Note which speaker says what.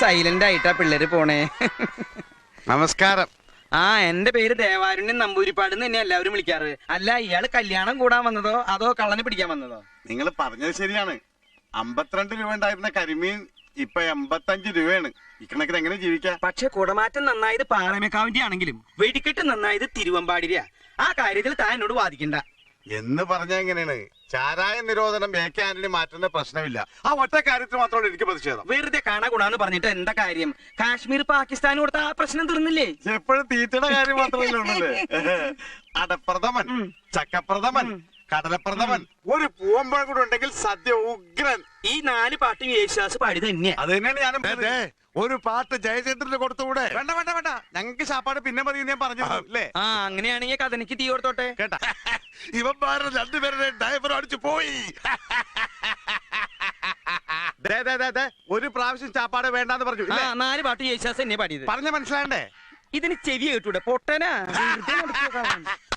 Speaker 1: Silent ആയിട്ടാ പിള്ളേര് പോണേ.
Speaker 2: നമസ്കാരം.
Speaker 1: ആ, എന്റെ പേര് ദേവാരുണ്യൻ നമ്പൂരിപ്പാട് തന്നെ എല്ലാവരും വിളിക്കാറ്. അല്ല, ഇയാള് കല്യാണം കൂടാൻ വന്നതോ അതോ കള്ളനെ പിടിക്കാൻ വന്നതോ?
Speaker 2: നിങ്ങൾ പറഞ്ഞത് ശരിയാണ്. 52 രൂപ ഉണ്ടായിരുന്ന കരിമീൻ ഇപ്പൊ 85 രൂപയാണ്. ഇക്കണക്കിന് എങ്ങനെ ജീവിക്കാം?
Speaker 1: പക്ഷെ കുടമാറ്റം നന്നായത് പാറമേക്കാവിന്റെ ആണെങ്കിലും വെടിക്കെട്ട് നന്നായത് തിരുവമ്പാടിരിയാ. ആ കാര്യത്തിൽ താൻ എന്നോട് വാദിക്കണ്ട.
Speaker 2: എന്ന് പറഞ്ഞ എങ്ങനെയാണ്? ചാരായ നിരോധനം AK ആന്റണി മാറ്റുന്ന പ്രശ്നമില്ല. ആ ഒറ്റ കാര്യത്തിൽ മാത്രമാണ് എനിക്ക് പ്രതിഷേധം.
Speaker 1: വെറുതെ കാണാ ഗുണാന്ന് പറഞ്ഞിട്ട് എന്താ കാര്യം? കാശ്മീർ പാകിസ്ഥാൻ കൊടുത്ത ആ പ്രശ്നം തീർന്നില്ലേ?
Speaker 2: എപ്പോഴും തീറ്റയുടെ കാര്യം മാത്രമല്ലേ ഉള്ളല്ലേ? അടപ്രഥമൻ, ചക്കപ്രഥമൻ, കടലപ്രഥമൻ, ഒരു പൂവമ്പഴം കൂടെ ഉണ്ടെങ്കിൽ സദ്യ ഉഗ്രൻ.
Speaker 1: ഈ 4 പാട്ടും യേശുദാസ് പാടി തന്നെയാ.
Speaker 2: അത് തന്നെയാണ് ഞാനും. ഒരു പാട്ട് ജയചന്ദ്രന് കൊടുത്തുകൂടെ? വേണ്ട വേണ്ട വേണ്ട, ഞങ്ങൾക്ക് ശാപ്പാട് പിന്നെ മതി ഞാൻ പറഞ്ഞു അല്ലേ?
Speaker 1: ആ, അങ്ങനെയാണെങ്കിൽ കഥനിക്ക് തീ കൊടുത്തോട്ടെ.
Speaker 2: കേട്ടാ, ഇവന്മാരുടെ 2 പേരുടെ ഡ്രൈവർ അടിച്ചു പോയി. ഒരു പ്രാവശ്യം ചാപ്പാട് വേണ്ടെന്ന് പറഞ്ഞു.
Speaker 1: 4 പാട്ട് യേശുദാസ് എന്നെ പാടിയത്.
Speaker 2: പറഞ്ഞ മനസ്സിലാണ്ടേ?
Speaker 1: ഇതിന് ചെവി കേട്ടൂടെ പൊട്ടനാ.